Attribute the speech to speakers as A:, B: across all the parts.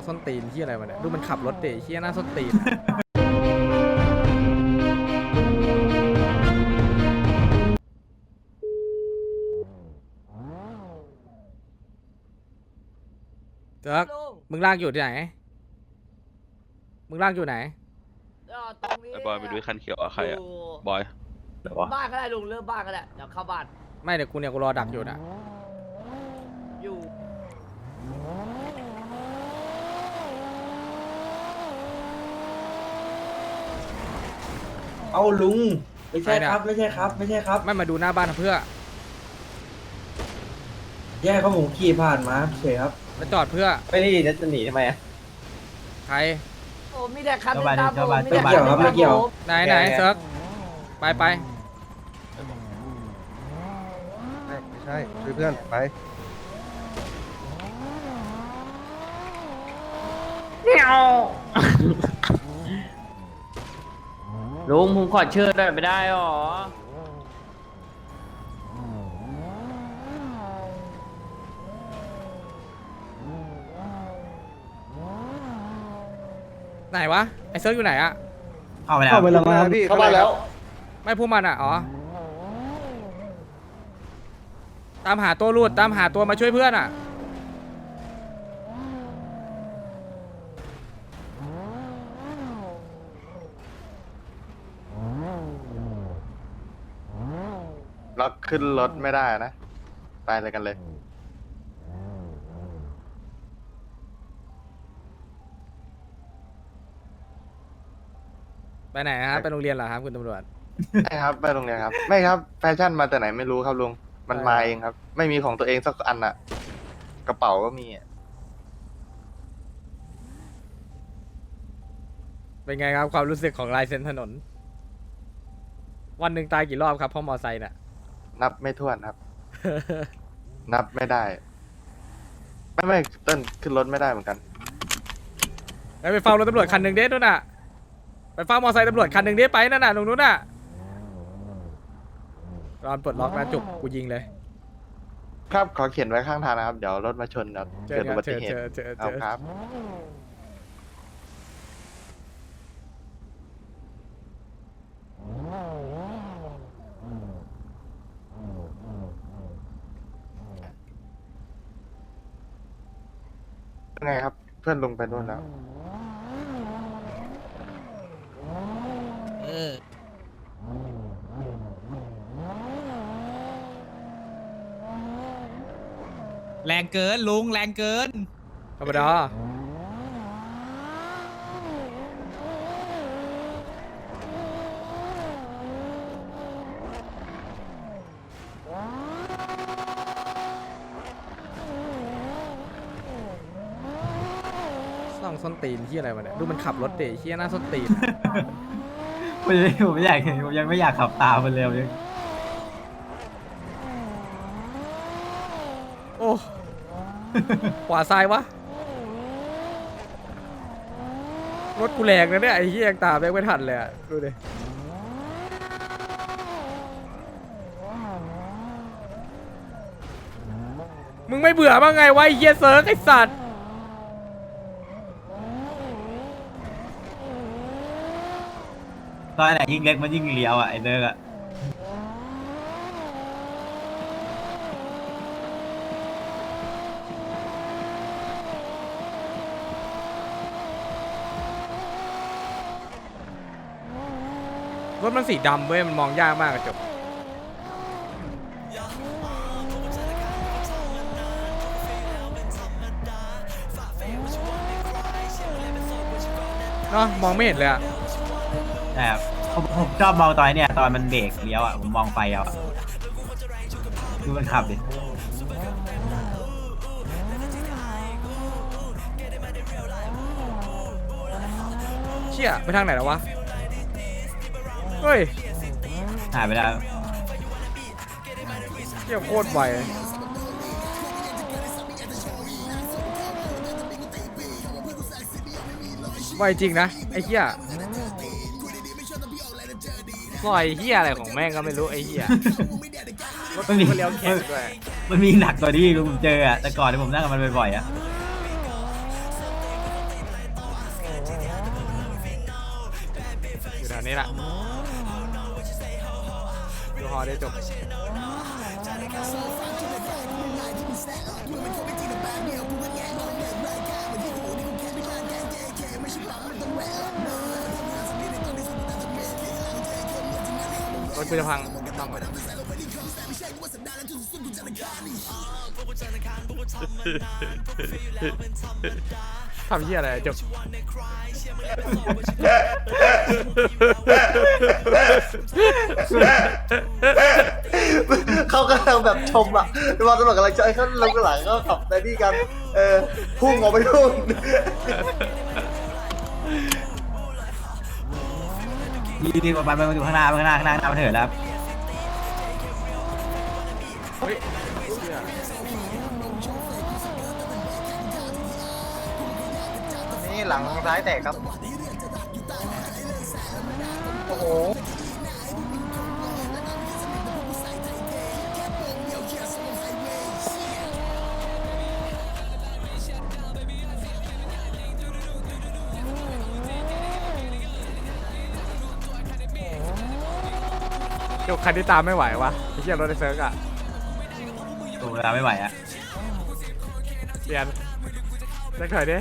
A: ส้นตีนที่อะไรวะเนี่ยดูมันขับรถเตะเฮี้ยหน้าส้นตีนเจ๊กมึงลากอยู่ที่ไหนมึงลากอยู่ไหน
B: ตรงนี้
C: ไอ้บอยไปดูคันเขียวอะใครอะบอย
D: ไหนวะ
B: บ้านก็ได้ลุงเริ่มบ้านก็ได้เดี๋ยวเข้าบ้าน
A: ไม่เดี๋ยวกูเนี่ยกูรอดักอยู่นะ
B: อยู่
D: เอาลุงไม่ใช่ครับไม่ใช่ครับไม่ใช่ครับ
A: ไม่มาดูหน้าบ้านเพื่อ
D: แย่เขาผมขี่ผ่านมาเฉยครับ
A: มาจอดเพื่อ
E: ไม่ได้จะหนีทำไมอะ
A: ใคร
B: โอ้มีแต่คัน
E: เข้าบ้าน
B: ตาม
E: เข้าบ้าน
B: มีแต่
D: ไม่เกี่ยวครับไม่เกี่ยว
A: ไหนไหนเซิร์กไปไป
F: ไม่ใช่ช่วยเพื่อนไป
E: ลุงผมขอเชิญหน่อยไม่ได้หรอ
A: ไหนวะไอเซิร์กอยู่ไหนอะ
E: เข้าไปแล้ว
F: เข้าไปแล้วมาพี่เข้าไปแล้ว
A: ไม่พวกมันอะอ๋อตามหาตัวรูดตามหาตัวมาช่วยเพื่อนอะ
G: เราขึ้นรถไม่ได้นะ ไปเลยกันเลย
A: ไปไหนครับไปโรงเรียนเหรอครับคุณตำรวจ
G: ใช่ครับ ไปโรงเรียนครับ ไม่ครับ แฟชั่นมาแต่ไหนไม่รู้ครับลุง มันมาเองครับ ไม่มีของตัวเองสักอันอะกระเป๋าก็มีอะ
A: เป็นไงครับความรู้สึกของลายเซ็นถนน วันหนึ่งตายกี่รอบครับเพราะมอไซค์น่ะ
G: นับไม่ถ้วนครับ นับไม่ได้ ไม่เต้นขึ้นรถไม่ได้เหมือนกัน
A: ไปเฝ้ารถตำรวจคันหนึ่งเด้นู่นน่ะไปเฝ้ามอไซค์ตำรวจคันหนึ่งเด้ไปนั่นน่ะตรงนู้นน่ะตอนปลดล็อกนะจุกกูยิงเลย
G: ครับขอเขียนไว้ข้างทางนะครับ เดี๋ยวรถมาชนครับ
A: เจอ
G: เกิด
A: กั
G: อุ
A: น
G: บั
A: เจ
G: ติ
A: อ
G: เห
A: เจ
G: ตุ
A: อเจอเจ
G: เอา
A: อ
G: ครับ ยังไงครับ เพื่อนลงไปนู่นแล้ว
H: แรงเกินลุงแรงเกิน
A: ธรรมดาส่องส้นตีนที่อะไรวะเนี่ยดูมันขับรถเตะเฮี้ยหน้าส้นตีน
E: ผมไม่อยากผมยังไม่อยากขับตามมันเลยยัง
A: โอ้ขวาซ้ายวะรถกูแรงนะเนี่ยไอ้เฮี้ยยังตามได้ไม่ทันเลยอะดูดิมึงไม่เบื่อบ้างไงวะไอ้เฮี้ยเซิร์กไอ้สัตว์
E: ตอนไหนยิ่งเล็กมันยิ่งเลี้ยวอ่ะไอ้เนิร์กอ่ะ
A: รถมันสีดำเว้ยมันมองยากมากกระจกเนาะมองไม่เห็นเลยอะ
E: แต่ผมชอบมองตอนเนี่ยตอนมันเบรกเลี้ยวอ่ะผมมองไฟเอาอะดูมันขับดิ
A: เชี่ยไปทางไหนแล้ววะเฮ้ย
E: หายไปแล้ว
A: เชี่ยโคตรไวไวจริงนะไอ้เหี้ยปล่อยเหี้ยอะไรของแม่งก็ไม่รู้ไอ้เหี้ยรถ
E: มันมี
A: ก็เลี้ยวแข็งด้วย
E: มันมีหนักกว่านี้ผมเจออ่ะแต่ก่อนที่ผมนั่งกับมันบ่อยๆอ่ะ
A: ดี๋ยวนี้ละดูฮอได้จบรถกูจะพังต้องก่อนทำเหี้ยอะไรจบ
G: เขากำลังแบบชมอ่ะรอตำรวจกำลังใจเขาลงหลังก็ขับในนี่กันพุ่งออกไปพุ่ง
E: ดีกว่ามันอยู่ข้างหน้ามันเถิดแล้ว
G: นี่หลังซ้ายแตกครับ โอ้โห
A: จบคันที่ตามไม่ไหววะไอ้เหี้ยรถไอ้เซิร์กอะ
E: ตัวเวลาไม่ไหวอะ
A: เปลี่ยนเลิกถอยดิ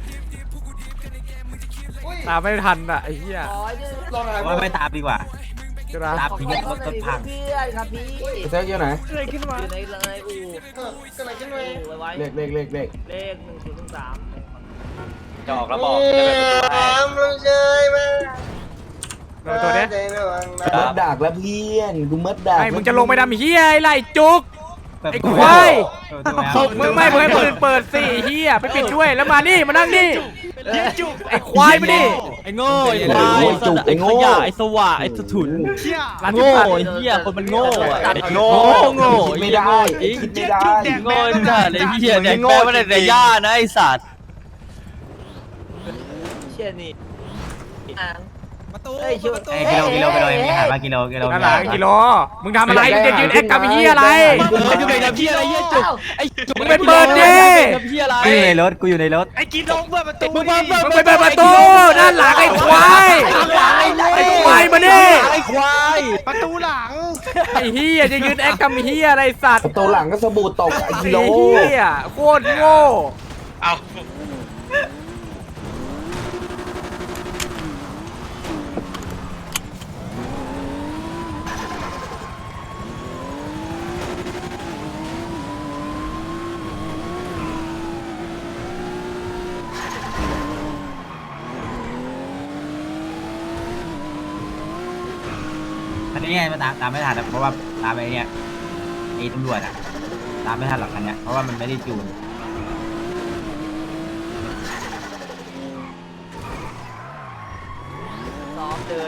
A: ตามไม่ทันอะไอ้เหี้ย
B: ขอยืน
E: ว่าไม่ตามดีกว่า
A: ใช่ไหม
E: ตามพี่รถพัง
B: เพื่อนครับพี่
D: เซิร์ฟอยู่ไหน
B: อยู่ในเลยอู่อู่ไว้
D: เลข
B: เลข1013
C: จะออกแล้วบอกจะได้เป็นประตูให้
A: เราตัวเนี้ย
D: มัดดักแล้วเพื่อนกูมัดดัก
A: ไอ้มึงจะลงไปดำเหี้ยไอ้ไรจุก ไอ้ควาย มึงไม่มึงให้คนอื่นเปิดสิเหี้ยไปปิดด้วยแล้วมานี่มานั่งนี่ไอ้ควายมาดิ
I: ไอ้โง่ไอ้ควายไอ้ขยะไอ้สว่ะไอ้สถุน
A: ร้าน
I: โง่
A: ที่พัน
I: ไอ้เหี้ยคนมันโง่อะ
G: โง่
I: โง่
D: คิดไม่ได้คิดไม่ได้
I: โง่จัดไอ้เหี้ยแดกแป้งมาแต่ย่านะไอ้สัตว์
B: เชี่ยนี่อ่าง
H: ประตู
B: เฮ้ยช่วย
E: กิโลมีหาว่ากิโล
A: นั่นหลังกิโลมึงทำอะไรมึงจะยืนแอคกับไอ้เหี้ยอะไร
I: มันอยู่ในน้ำเหี้ยอะไรเหี้ยจุกไอ้จุก
A: มึงเป็นเบิร์ดดิ
I: น้ำเหี้ยอะไร
E: กูอยู่ในรถ
I: ไอ้กินลงเปิดประตูมึง
A: มึงไปเปิดประตูด้านหลังไอ้ควายไอ้ควายมาดิ
I: ไอ้ควาย
F: ประตูหลัง
A: ไอ้เหี้ยจะยืนแอคกับไอ้เหี้ยอะไรสัตว์
D: ตัวหลังก็สบู่ตกไอ้กิโล
A: ไอ้เหี้ยโคตรโง่
C: เอา
E: อันนี้ไงมันตามไม่ทันเพราะว่าตามไอ้เนี่ยไอ้ตำรวจอะตามไม่ทันหรอกคันเนี้ยเพราะว่ามันไม่ได้จูน
B: ซ้อมเลย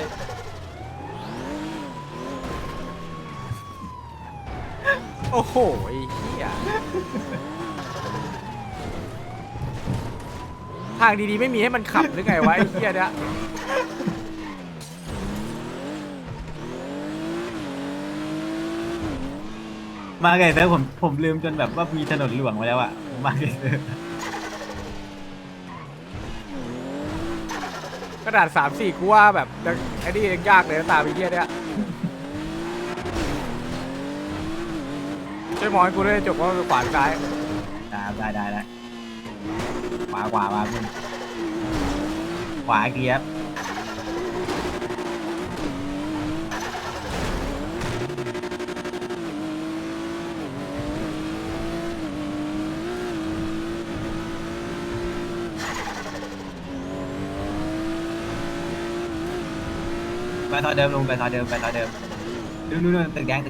A: โอ้โหไอ้เหี้ยทางดีๆไม่มีให้มันขับหรือไงวะไอ้เหี้ยเนี่ย
E: มาไงเซิร์ฟผมลืมจนแบบว่ามีถนนหลวงมาแล้วอะมาไงเซิร์ฟ
A: กระดาษ3-4กูว่าแบบไอ้นี่ยังยากเลยนะตามไอ้เหี้ยเนี่ยช่วยมองให้กูด้วยจบว่าขวาซ้าย
E: ได้ขวามาคุณขวาเกียร์ไปทอเดิมลงไปทอเดิมนู่นตึกแดง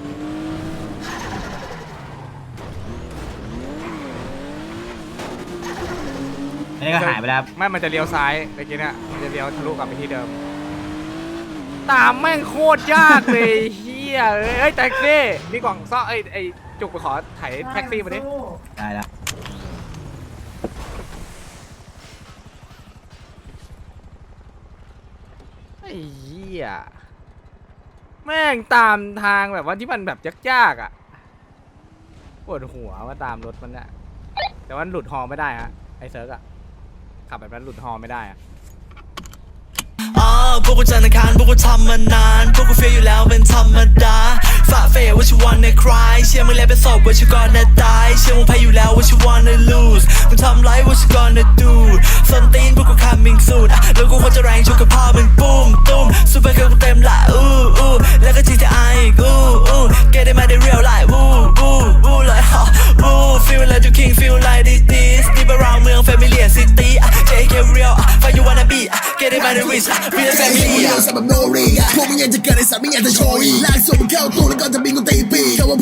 E: อันนี้ก็หายไปแล้ว
A: ไม่มันจะเลี้ยวซ้ายเมื่อกี้เนี่ยมันจะเลี้ยวทะลุกลับไปที่เดิม ตามแม่งโคตรยากเลยเฮียเอ้ยแท็กซี่มีกล่องซ่อไอ้จุกไปขอไถแท็กซี่มาดิ
E: ได้แล้ว
A: ไอ้เฮียแม่งตามทางแบบว่าที่มันแบบยากๆอ่ะปวดหัวว่าตามรถมันเนี่ยแต่ว่าหลุดฮอไม่ได้ฮะไอ้เซิร์กอ่ะขับแบบนั้นหลุดฮอไม่ได้อะ
J: พวกกูจันทร์อังคารพวกกูทำมานานพวกกูเฟียอยู่แล้วเป็นธรรมดาฝ่าเฟยว่าชิวันในคลายเชื่อมึงแล้วเป็นศพว่าชิวก่อนนะตายเชื่อมึงแพ้อยู่แล้วว่าชิวันใน lose มึงทำไรว่าชิก่อนนะดูส้นตีนพวกกู coming soon แล้วกูควรจะแรงชกกับพ่อมึงปุ้มตุ้มซูเปอร์เกิร์ลกูเต็มละแล้วก็ GTI อีกget it มาได้ real life like feel like you king feel like this deep around เมือง familiar city JK real find you wanna be get it มาได้ rich real family
K: พวกมึงยังจะเกิดในสามไม่อยากจะโชยลากส่งมึงเข้าตู้แล้วก็จะมี